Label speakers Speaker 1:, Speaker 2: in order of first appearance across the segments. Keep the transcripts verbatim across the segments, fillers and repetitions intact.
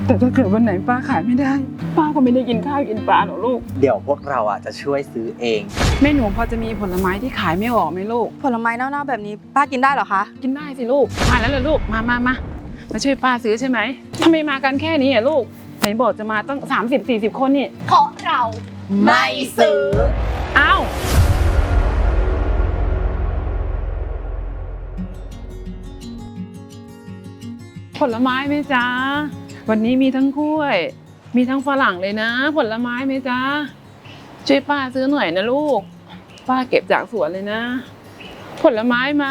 Speaker 1: แต่ถ้าเกิดวันไหนป้าขายไม่ได้ป้าก็ไม่ได้กินข้าวกินปลาหรอกลูก
Speaker 2: เดี๋ยวพวกเราอ่ะจะช่วยซื้อเอง
Speaker 1: แม่หนูพอจะมีผลไม้ที่ขายไม่ออกไหมลูก
Speaker 3: ผลไม้เน่าๆแบบนี้ป้ากินได้เหรอคะ
Speaker 1: กินได้สิลูกมาแล้วเหรอลูกมามามามาช่วยป้าซื้อใช่ไหมทำไมมากันแค่นี้อ่ะลูกไหนบอกจะมาตั้งสามสิบสี่สิบคนนี่
Speaker 3: เพราะเราไม่ซื้อ
Speaker 1: อ้าวผลไม้ไหมจ๊ะวันนี้มีทั้งกล้วยมีทั้งฝรั่งเลยนะผลไม้ไหมจ๊ะช่วยป้าซื้อหน่อยนะลูกป้าเก็บจากสวนเลยนะผลไม้ไหม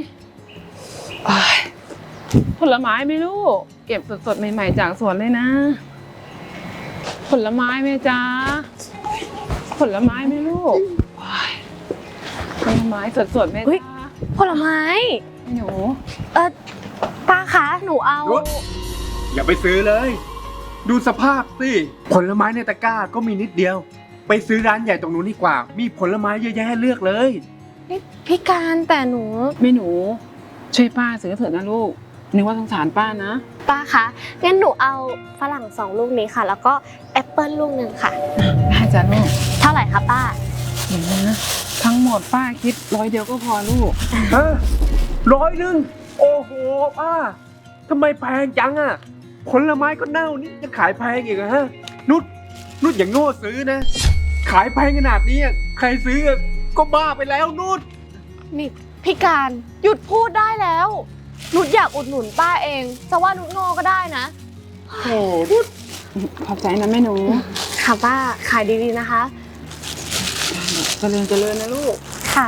Speaker 1: ผลไม้ไหมลูกเก็บสดๆใหม่ๆจากสวนเลยนะผลไม้ไหมจ๊ะผลไม้ไหมลูกผลไม้สดๆไหมจ๊ะ
Speaker 3: ผลไม้
Speaker 1: หนู
Speaker 3: เออป้าคะหนูเอา
Speaker 4: อย่าไปซื้อเลยดูสภาพสิผลไม้ในตะกร้าก็มีนิดเดียวไปซื้อร้านใหญ่ตรงนู้นดีกว่ามีผลไม้เยอะแยะให้เลือกเลย
Speaker 3: นี่พี่การแต่หนู
Speaker 1: ไม่หนูช่วยป้าซื้อเถอะนะลูกนึกว่าสงสารป้านะ
Speaker 3: ป้าคะงั้นหนูเอาฝรั่งสองลูกนี้ค่ะแล้วก็แอปเปิ้ลลูกหนึ่งค่ะ
Speaker 1: ได้จ้ะลูก
Speaker 3: เท่าไหร่คะป้า
Speaker 1: เดี๋ยวนะทั้งหมดป้าคิดร้อยเดียวก็พอลูก
Speaker 4: ฮะร้อยหนึ่งโอ้โหป้าทำไมแพงจังอ่ะผลไม้ก็เน่านี่จะขายแพงอีกเหรอฮะนุชนุชอย่างโง่ซื้อนะขายแพงขนาดนี้ใครซื้อก็บ้าไปแล้วนุช
Speaker 3: นี่พี่การหยุดพูดได้แล้วนุชอยากอุดหนุนป้าเองจะว่านุชโง่ก็ได้นะ
Speaker 1: โอ้นุชขอบใจนะแม่หนู
Speaker 3: ค่ะป้าขายดีๆนะคะ
Speaker 1: เจริญเจริญนะลูก
Speaker 3: ค่ะ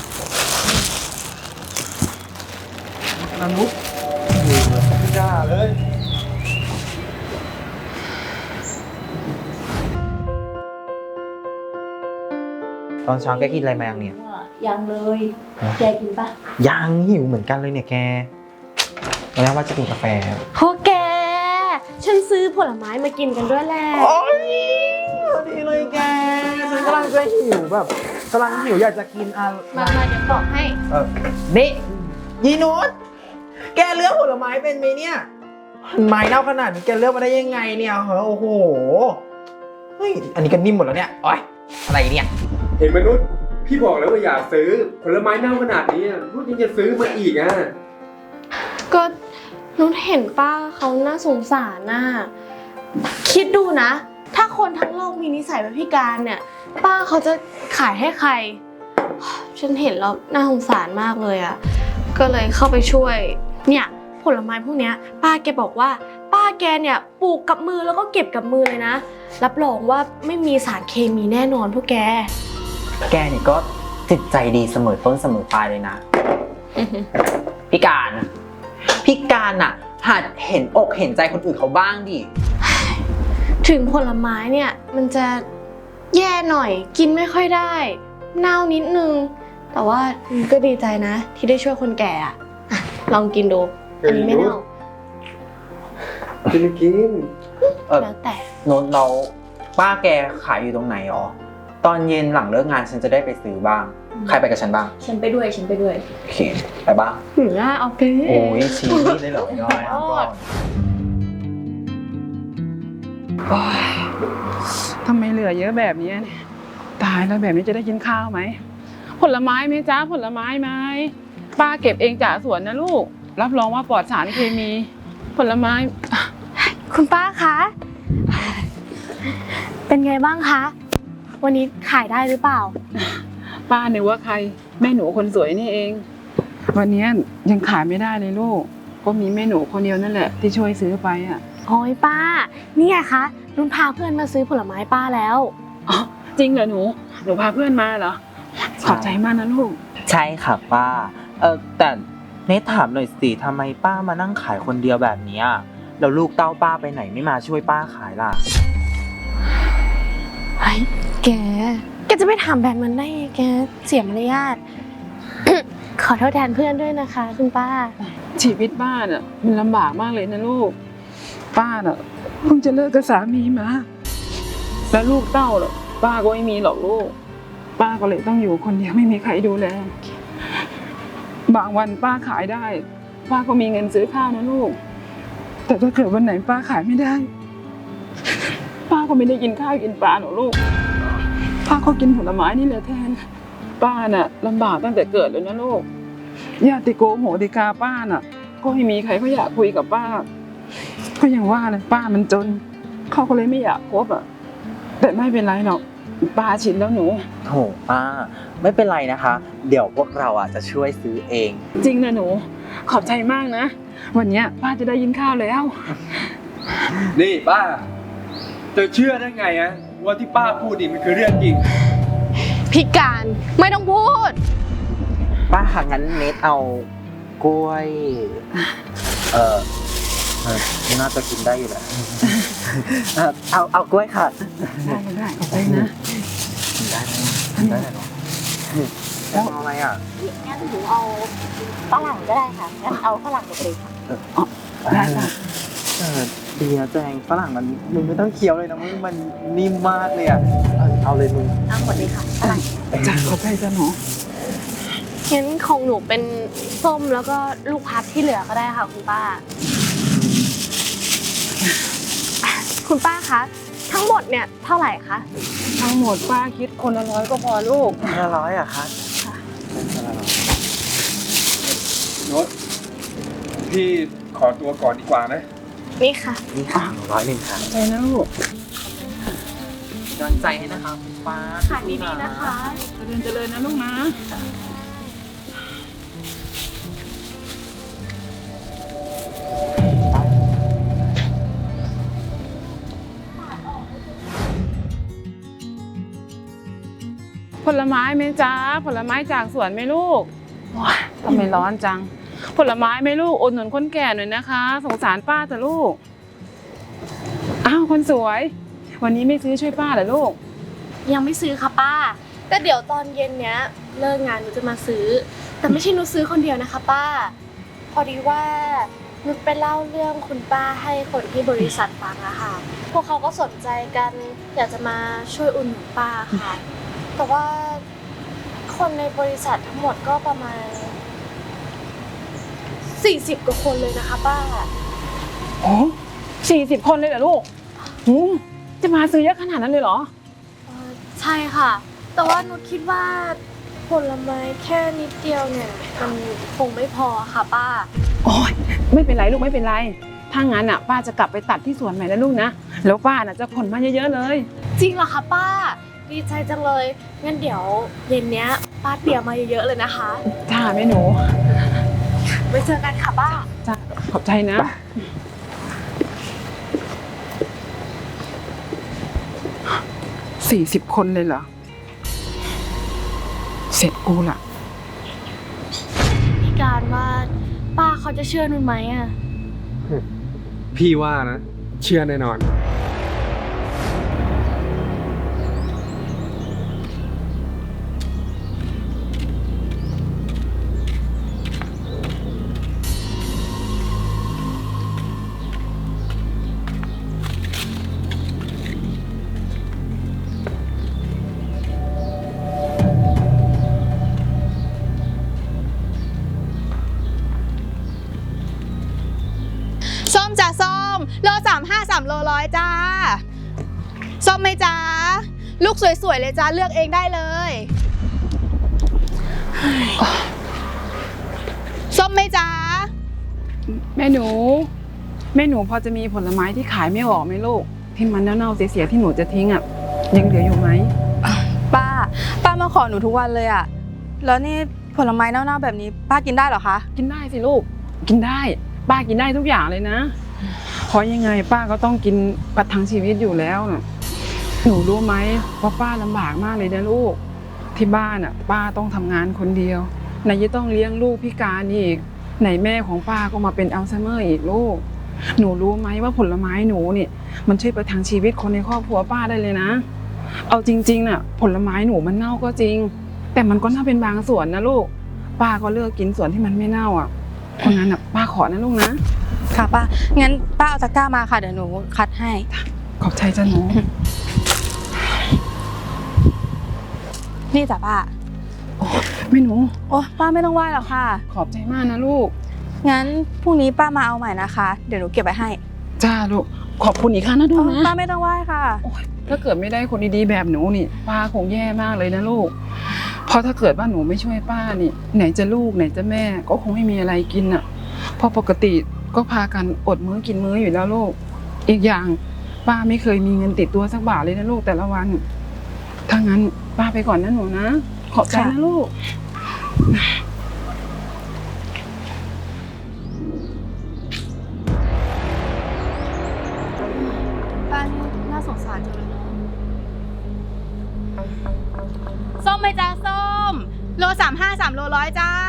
Speaker 4: นานุชไม่ได้เลย
Speaker 2: ตอนเช้าแกกินอะไรมายังเนี่ย
Speaker 3: ยังเลยแกกินปะ
Speaker 2: ยังหิวเหมือนกันเลยเนี่ยแกแล้วว่าจะกินกาแฟ
Speaker 3: โอแกฉันซื้อผลไม้มากินกันด้วยแหละ
Speaker 2: โอ้ยดีเลยแกฉันกำลังจะหิวแบบกำลังหิวอยากจะกินอะไร
Speaker 3: มามาเดี๋ยวบอกให้
Speaker 2: เออนี่ยีนุชแกเลือกผลไม้เป็นไหมเนี่ยไม้เน่าขนาดนี้แกเลือกมาได้ยังไงเนี่ยเหรอโอ้โหเฮ้ยอันนี้ก็นิ่มหมดแล้วเนี่ยโอ๊ยอะไรเนี่ย
Speaker 4: เห็นไหมนุชพี่บอกแล้วว่าอย่าซื้อผลไม้เน่าขนาดนี้นุชยังจะซื้อมาอีกอ่ะ
Speaker 3: ก็นุชเห็นป้าเขาน่าสงสารน่ะคิดดูนะถ้าคนทั้งโลกมีนิสัยแบบพี่การเนี่ยป้าเขาจะขายให้ใครฉันเห็นแล้วน่าสงสารมากเลยอ่ะก็เลยเข้าไปช่วยเนี่ยผลไม้พวกนี้ป้าแกบอกว่าป้าแกเนี่ยปลูกกับมือแล้วก็เก็บกับมือเลยนะรับรองว่าไม่มีสารเคมีแน่นอนพวกแก
Speaker 2: แกนี่ก็จิตใจดีเสมอต้นเสมอปลายเลยนะพี่การพี่การอ่ะหัดเห็นอกเห็นใจคนอื่นเขาบ้างดิ
Speaker 3: ถึงผลไม้เนี่ยมันจะแย่หน่อยกินไม่ค่อยได้เน่านิดนึงแต่ว่าก็ดีใจนะที่ได้ช่วยคนแก่อ่ะลองกินดูอันนี้ไม่เน่า
Speaker 4: กินกิน
Speaker 3: แล้วแต่
Speaker 2: โน้ตเราป้าแกขายอยู่ตรงไหนอ๋อตอนเย็นหลังเลิกงานฉันจะได้ไปซื้อบ้างใครไปกับฉันบ้าง
Speaker 3: ฉันไปด้วยฉันไปด้วย
Speaker 2: โอเคไปบ้าง
Speaker 3: หือโอเค
Speaker 2: โอ้ยชีนี่ได้หรอน้อย
Speaker 1: ก่อนทำไมเหลือเยอะแบบนี้ตายแล้วแบบนี้จะได้กินข้าวไหมผลไม้ไหมจ๊ะผลไม้ไหมป้าเก็บเองจากสวนนะลูกรับรองว่าปลอดสารเคมีผลไม้
Speaker 3: คุณป้าคะเป็นไงบ้างคะวันนี้ขายได้หรือเปล่า
Speaker 1: ป้านึกว่าใครแม่หนูคนสวยนี่เองวันนี้ยังขายไม่ได้เลยลูกก็มีแม่หนูคนเดียวนั่นแหละที่ช่วยซื้อไปอ่ะ
Speaker 3: โอ้ยป้านี่ไงคะนุ่นพาเพื่อนมาซื้อผลไม้ป้าแล้ว
Speaker 1: อ๋อจริงเหรอหนูหนูพาเพื่อนมาเหรอขอบใจมากนะลูก
Speaker 2: ใช่ค่ะป้าเออแต่เนทถามหน่อยสิทำไมป้ามานั่งขายคนเดียวแบบนี้แล้วลูกเต้าป้าไปไหนไม่มาช่วยป้าขายล่ะ
Speaker 3: ไอ้แกแกจะไปถามแบบนั้นได้ไงแกเสียมารยาท ขอโทษแทนเพื่อนด้วยนะคะคุณป้า
Speaker 1: ชีวิตป้าน่ะมันลำบากมากเลยนะลูกป้าน่ะเพิ่งจะเลิกกับสามีมาแล้วลูกเต้าน่ะป้าก็ไม่มีหรอกลูกป้าก็เลยต้องอยู่คนเดียวไม่มีใครดูแลบางวันป้าขายได้ป้าก็มีเงินซื้อข้าวนะลูกแต่ถ้าเกิดวันไหนป้าขายไม่ได้ ป้าก็ไม่ได้กินข้าวกินปลาหรอกลูก ป้าก็กินผลไม้นี่แหละแทน ป้าน่ะลำบากตั้งแต่เกิดเลยนะลูกญาติโกโหติกาป้าน่ะ ก็ไม่มีใครเขาอยากคุยกับป้า ก็อย่างว่าเลยป้ามันจน เขาก็เลยไม่อยากคบอ่ะ แต่ไม่เป็นไรหรอกป้าชินแล้วหนู
Speaker 2: โถป้าไม่เป็นไรนะคะ เดี๋ยวพวกเราอ่ะจะช่วยซื้อเอง
Speaker 1: จริงนะหนู ขอบใจมากนะ วันเนี้ยป้าจะได้ยินข้าวแล้ว
Speaker 4: นี่ป้าจะเชื่อได้ไงอะว่าที่ป้าพูดนี่มันคือเรื่องจริง
Speaker 3: พี่การไม่ต้องพูด
Speaker 2: ป้าค่ะงั้นเนทเอากล้วย เออเออน่าจะกินได้อยู่แหละเออเอาเอากล้วยค่ะ
Speaker 1: ได้ได้ขอบใจนะ
Speaker 2: กินได้ไหมกินได้เหรอแล้วเอาอะไรอ่ะ
Speaker 5: งั้นหนูเอาฝรั่งก็ได้ค่ะ งั้นเอาฝรั่งหมดเลยค่ะ
Speaker 1: ได้ค่ะ
Speaker 2: เออดีนะแจงฝรั่งมันมึงไม่ต้องเคี้ยวเลยนะมึงมันนิ่มมากเลยอ่ะเออเอาเลยมึง
Speaker 5: เอาหมดเลยค่ะฝรั่ง
Speaker 1: จ้าขอบใจจ้าหนู
Speaker 3: งั้นของหนูเป็นส้มแล้วก็ลูกพับที่เหลือก็ได้ค่ะคุณป้า คุณป้าคะ ทั้งหมดเนี่ยเท่าไหร่คะ
Speaker 1: ทั้งหมดป้าคิดคนละร้อยก็พอลูก
Speaker 2: คนละร้อยอ่ะคะ
Speaker 4: โน้ตพี่ขอตัวก่อนดีกว่านะ
Speaker 3: นี่ค่ะ
Speaker 2: นี่ค่ะร้อยหนึ่งค่ะ
Speaker 1: ใจนะลูก
Speaker 2: กำลังใจให้นะคะคุณป้า
Speaker 3: ค่ะดีๆนะคะ
Speaker 1: เจริญเจริญนะลูกนะ ผลไม้ไหมจ๊ะผลไม้จากสวนไหมลูกว้ายทำไมร้อนจัง ผลไม้ไหมลูกอุดหนุนคนแก่หน่อยนะคะ สงสารป้าแต่ลูก อ้าวคนสวย วันนี้ไม่ซื้อช่วยป้าเหรอลูก
Speaker 3: ยังไม่ซื้อค่ะป้า แต่เดี๋ยวตอนเย็นเนี้ยเลิกงานหนูจะมาซื้อ แต่ไม่ใช่หนูซื้อคนเดียวนะคะป้า พอดีว่าหนูไปเล่าเรื่องคุณป้าให้คนที่บริษัทฟังอะค่ะ พวกเขาก็สนใจกันอยากจะมาช่วยอุดหนุนป้าค่ะ แต่ว่าคนในบริษัททั้งหมดก็ประมาณสี่สิบกว่าคนเลยนะคะป้า
Speaker 1: โอ้สี่สิบคนเลยเหรอลูกหูจะมาซื้อเยอะขนาดนั้นเลยเหรอ
Speaker 3: เอ่อใช่ค่ะ แต่ว่านุชคิดว่าผลไม้แค่นิดเดียวเนี่ยมันคงไม่พอค่ะป้า
Speaker 1: โอ้ยไม่เป็นไรลูกไม่เป็นไร ถ้างั้นอ่ะป้าจะกลับไปตัดที่สวนใหม่นะลูกนะ แล้วป้าน่ะจะขนมาเยอะๆเลย
Speaker 3: จริงเหรอคะป้า ดีใจจังเลย งั้นเดี๋ยวเย็นเนี้ยป้าเตรียมมาเยอะๆเลยนะคะ
Speaker 1: จ้าแม่หนู
Speaker 3: ไว้เจอกันค่ะป้า
Speaker 1: จ้าขอบใจนะสี่สิบคนเลยเหรอ เสร็จกูละ
Speaker 3: พี่การว่าป้าเขาจะเชื่อนุนไหมอะ
Speaker 4: พี่ว่านะ เชื่อแน่นอน
Speaker 6: ส้มจ้ะส้มโลสามห้าสามโลร้อยจ้าส้มไหมจ้าลูกสวยๆเลยจ้าเลือกเองได้เลยส้มไหมจ้า
Speaker 1: แม่หนู แม่หนูพอจะมีผลไม้ที่ขายไม่ออกไหมลูก ที่มันเน่าๆเสียๆที่หนูจะทิ้งอ่ะ ยังเหลืออยู่ไหม
Speaker 6: ป้าป้ามาขอหนูทุกวันเลยอะแล้วนี่ผลไม้เน่าๆแบบนี้ป้ากินได้เหรอคะ
Speaker 1: กินได้สิลูก กินได้ ป้ากินได้ทุกอย่างเลยนะ เพราะยังไงป้าก็ต้องกินประทังชีวิตอยู่แล้วน่ะ หนูรู้ไหมว่าป้าลำบากมากเลยนะลูก ที่บ้านอ่ะ ป้าต้องทำงานคนเดียวไหนจะต้องเลี้ยงลูกพิการอีกไหนแม่ของป้าก็มาเป็นอัลไซเมอร์อีกลูก หนูรู้ไหมว่าผลไม้หนูเนี่ยมันช่วยประทังชีวิตคนในครอบครัวป้าได้เลยนะ เอาจริงๆน่ะ ผลไม้หนูมันเน่าก็จริง แต่มันก็น่าเป็นบางส่วนนะลูก ป้าก็เลือกกินส่วนที่มันไม่เน่าอ่ะ เพราะงั้นอ่ะป้าขอนะลูกนะ
Speaker 6: ค่ะป้างั้นป้าเอาตะกร้ามาค่ะเดี๋ยวหนูคัดให้
Speaker 1: ขอบใจจ้ะหนู
Speaker 6: นี่จ้ะป้า
Speaker 1: แม่หนู
Speaker 6: โอ้ป้าไม่ต้องไหว้หรอกค่ะ
Speaker 1: ขอบใจมากนะลูก
Speaker 6: งั้นพรุ่งนี้ป้ามาเอาใหม่นะคะ เดี๋ยวหนูเก็บไว้ให้
Speaker 1: จ้าลูกขอบคุณอีกครั้งนะดูนะ
Speaker 6: ป้าไม่ต้องไหว้ค่ะ
Speaker 1: ถ้าเกิดไม่ได้คนดีๆแบบหนูนี่ป้าคงแย่มากเลยนะลูกเพราะถ้าเกิดว่าหนูไม่ช่วยป้านี่ไหนจะลูกไหนจะแม่ก็คงไม่มีอะไรกินอ่ะเพราะปกติก็พากันอดมื้อกินมื้ออยู่แล้วลูกอีกอย่างป้าไม่เคยมีเงินติดตัวสักบาทเลยนะลูกแต่ละวันถ้างั้นป้าไปก่อนนะหนูนะขอบใจนะลูก
Speaker 3: ป้านี่น่าสงสารจังเลยเนาะ
Speaker 6: ส้มไหมจ้าส้ม โลสามห้าสามโลร้อยจ้า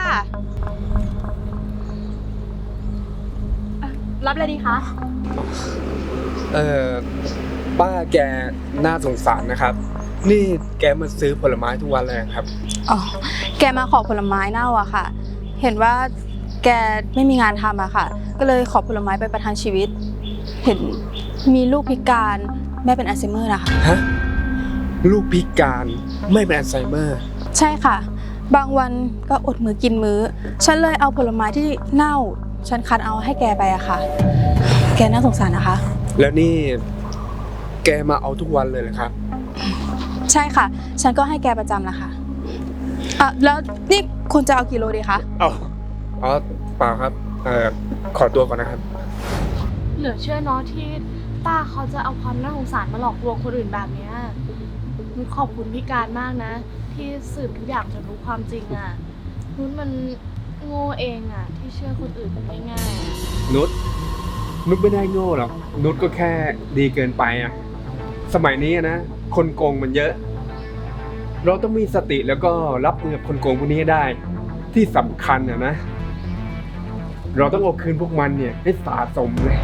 Speaker 3: รับเลยดีคะ
Speaker 4: เออป้าแกน่าสงสารนะครับ นี่แกมาซื้อผลไม้ทุกวันเลยครับ
Speaker 6: อ๋อ แกมาขอผลไม้เน่าอะค่ะ เห็นว่าแกไม่มีงานทำอะค่ะ ก็เลยขอผลไม้ไปประทังชีวิต เห็นมีลูกพิการแม่เป็นอัลไซเมอร์นะคะ
Speaker 4: ฮะ ลูกพิการไม่เป็นอัลไซเมอร์
Speaker 6: ใช่ค่ะ บางวันก็อดมื้อกินมื้อ ฉันเลยเอาผลไม้ที่เน่า ฉันคัดเอาให้แกไปอะค่ะ แกน่าสงสารนะคะ
Speaker 4: แล้วนี่แกมาเอาทุกวันเลยเหรอครับ
Speaker 6: ใช่ค่ะ ฉันก็ให้แกประจำนะคะอ่ะแล้วนี่คุณจะเอากี่โลดีคะ
Speaker 4: อ๋ออ๋อเปล่าครับ เอ่อ ขอตัวก่อนนะครับ
Speaker 3: เหลือเชื่อเนาะที่ป้าเขาจะเอาความน่าสงสารมาหลอกลวงคนอื่นแบบเนี้ยนุชขอบคุณพี่การมากนะ ที่สืบทุกอย่างจนรู้ความจริงอ่ะนุชมันโง่เองอ่ะ ที่เชื่อคนอื่นง่ายๆอะ
Speaker 4: นุชนุชไม่ได้โง่หรอก นุชก็แค่ดีเกินไปอะสมัยนี้อะนะ คนโกงมันเยอะ เราต้องมีสติแล้วก็รับมือกับคนโกงพวกนี้ให้ได้ ที่สำคัญอะนะ เราต้องเอาคืนพวกมันเนี่ยให้สะสมเลย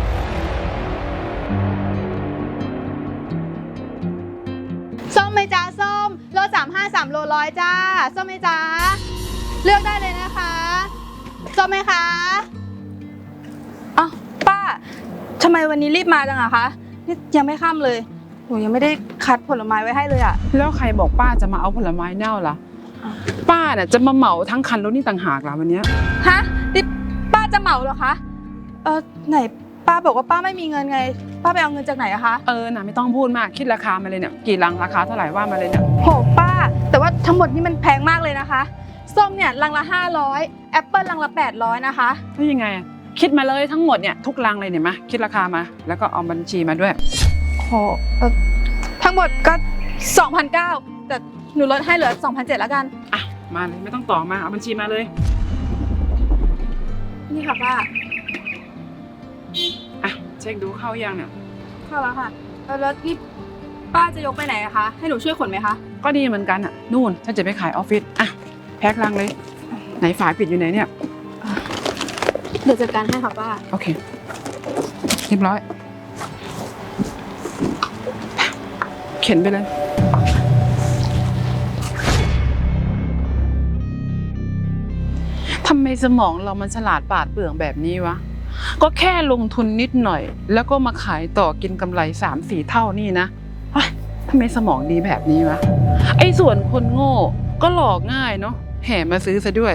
Speaker 6: ส้มไหมจ้าส้ม โลสามห้าสามโลร้อยจ้า ส้มไหมจ้า เลือกได้เลยนะคะ ส้มไหมคะอ้าวป้าทำไมวันนี้รีบมาจังอะคะนี่ยังไม่ค่ำเลย หนูยังไม่ได้คัดผลไม้ไว้ให้เลยอะ
Speaker 1: แล้วใครบอกป้าจะมาเอาผลไม้เน่าล่ะป้าน่ะจะมาเหมาทั้งคันรถนี่ต่างหากล่ะวันเนี้ย
Speaker 6: ฮะนี่ป้าจะเหมาเหรอคะ เออไหนป้าบอกว่าป้าไม่มีเงินไง ป้าไปเอาเงินจากไหนอะคะ
Speaker 1: เออน่ะไม่ต้องพูดมากคิดราคามาเลยเนี่ยกี่ลังราคาเท่าไหร่ว่ามาเลยเนี่ย
Speaker 6: โหป้า แต่ว่าทั้งหมดนี่มันแพงมากเลยนะคะ ส้มเนี่ยลังละห้าร้อยแอปเปิลลังละแปดร้อยนะคะ
Speaker 1: แล้วยังไงอะคิดมาเลยทั้งหมดเนี่ยทุกลังเลยเนี่ยมาคิดราคามา แล้วก็เอาบัญชีมาด้วย
Speaker 6: โหเอ่อทั้งหมดก็ สองพันเก้าร้อย แต่หนูลดให้เหลือ สองพันเจ็ดร้อย แล้วกัน
Speaker 1: อ่ะมาเลยไม่ต้องต่อมาเอาบัญชีมาเลย
Speaker 6: นี่ค่ะป้า
Speaker 1: อ่ะเช็คดูเข้ายังเนี่ย
Speaker 6: เข้าแล้วค่ะเออแล้วนี่ป้าจะยกไปไหนอะคะ ให้หนูช่วยขนไหมคะ
Speaker 1: ก็ดีเหมือนกันอ่ะนู่นถ้าจะไปขายออฟฟิศอ่ะแพ็คลังเลยไหนฝาปิดอยู่ไหนเนี่ย
Speaker 3: เดี๋ยวจัดการให้ค่ะป้า
Speaker 1: โอเคเรียบร้อยเข็นไปเลยทำไมสมองเรามันฉลาดปราดเปรื่องแบบนี้วะก็แค่ลงทุนนิดหน่อย แล้วก็มาขายต่อกินกำไรสามสี่เท่านี่นะเฮ้ยทำไมสมองดีแบบนี้วะไอ้ส่วนคนโง่ก็หลอกง่ายเนาะแห่มาซื้อซะด้วย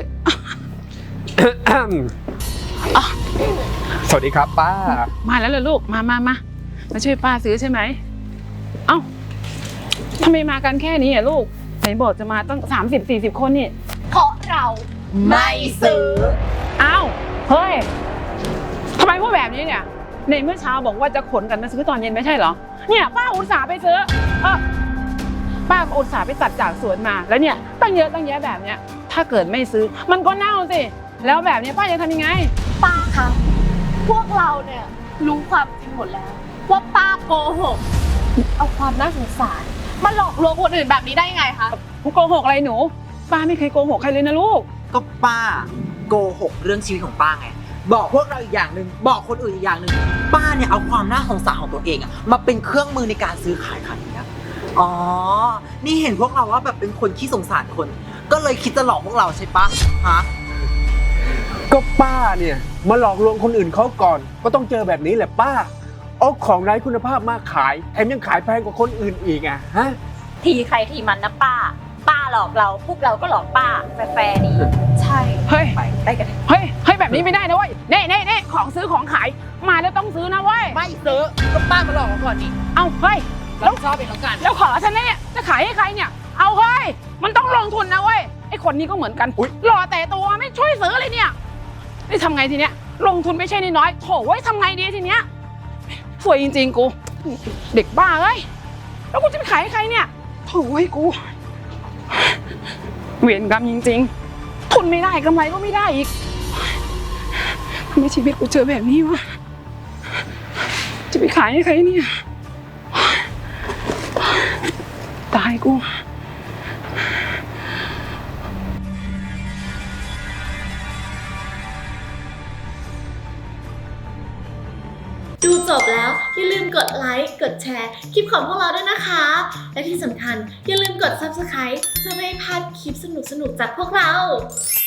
Speaker 4: สวัสดีครับป้า
Speaker 1: มาแล้วเหรอลูก มามามามาช่วยป้าซื้อใช่ไหม เอ้าทำไมมากันแค่นี้อ่ะลูก ไหนบอกจะมาตั้งสามสิบสี่สิบคนนี่
Speaker 3: เพราะเราไม่ซื้อ
Speaker 1: เอ้าเฮ้ยทำไมพูดแบบนี้เนี่ย ในเมื่อเช้าบอกว่าจะขนกันมาซื้อตอนเย็นไม่ใช่เหรอ เนี่ยป้าอุตส่าห์ไปซื้อ เออป้าก็อุตส่าห์ไปตัดจากสวนมา แล้วเนี่ยตั้งเยอะตั้งแยะแบบเนี้ย ถ้าเกิดไม่ซื้อ มันก็เน่าสิ แล้วแบบนี้ป้าจะทำยังไง
Speaker 3: ป้าคะพวกเราเนี่ยรู้ความจริงหมดแล้ว ว่าป้าโกหก เอาความน่าสงสารมาหลอกลวงคนอื่นแบบนี้ได้ยังไงคะ
Speaker 1: กูโกหกอะไรหนู ป้าไม่เคยโกหกใครเลยนะลูก
Speaker 2: ก็ป้าโกหกเรื่องชีวิตของป้าไง บอกพวกเราอีกอย่างหนึ่งบอกคนอื่นอีกอย่างหนึ่งป้าเนี่ยเอาความน่าสงสารของตัวเองอะมาเป็นเครื่องมือในการซื้อขายขายนี้อ๋อ นี่เห็นพวกเราว่าแบบเป็นคนขี้สงสารคน ก็เลยคิดจะหลอกพวกเราใช่ปะฮะ
Speaker 4: ก็ป้าเนี่ยมาหลอกลวงคนอื่นเขาก่อน ก็ต้องเจอแบบนี้แหละป้า เอาของไร้คุณภาพมาขายแถมยังขายแพงกว่าคนอื่นอีกอ่ะฮะ
Speaker 5: ทีใครทีมันนะป้า ป้าหลอกเรา พวกเราก็หลอกป้าแฟร์ๆดี
Speaker 3: ใช่
Speaker 1: เฮ้ย
Speaker 5: ไปไปกันเถอะ
Speaker 1: เฮ้ย เฮ้ยแบบแบบนี้ไม่ได้นะเว้ยเน่เน่เน่ของซื้อของขายมาแล้วต้องซื้อนะเว้ย
Speaker 2: ไม่ซื้อก็ป้ามาหลอกเราก่อนนี่
Speaker 1: เอาเฮ้ย
Speaker 2: แล้วชอบเองแล้วกัน
Speaker 1: แล้วขอฉันเนี่ยจะขายให้ใครเนี่ย เอาเฮ้ยมันต้องลงทุนนะเว้ยไอคนนี้ก็เหมือนกันหล่อแต่ตัวไม่ช่วยซื้อเลยเนี่ยนี่ทำไงทีเนี้ยลงทุนไม่ใช่น้อยๆโถเว้ยทำไงดีทีเนี้ยสวยจริงๆกูเด็กบ้าเอ้ยแล้วกูจะไปขายให้ใครเนี่ยโถเว้ยกูเวรกรรมจริงๆทุนไม่ได้กำไรก็ไม่ได้อีกทำไมชีวิตกูเจอแบบนี้วะจะไปขายให้ใครเนี่ยตายกู
Speaker 3: ดูจบแล้วอย่าลืมกดไลค์ กดแชร์คลิปของพวกเราด้วยนะคะ และที่สำคัญอย่าลืมกด ซับสไครบ์ เพื่อไม่ให้พลาดคลิปสนุกๆจากพวกเรา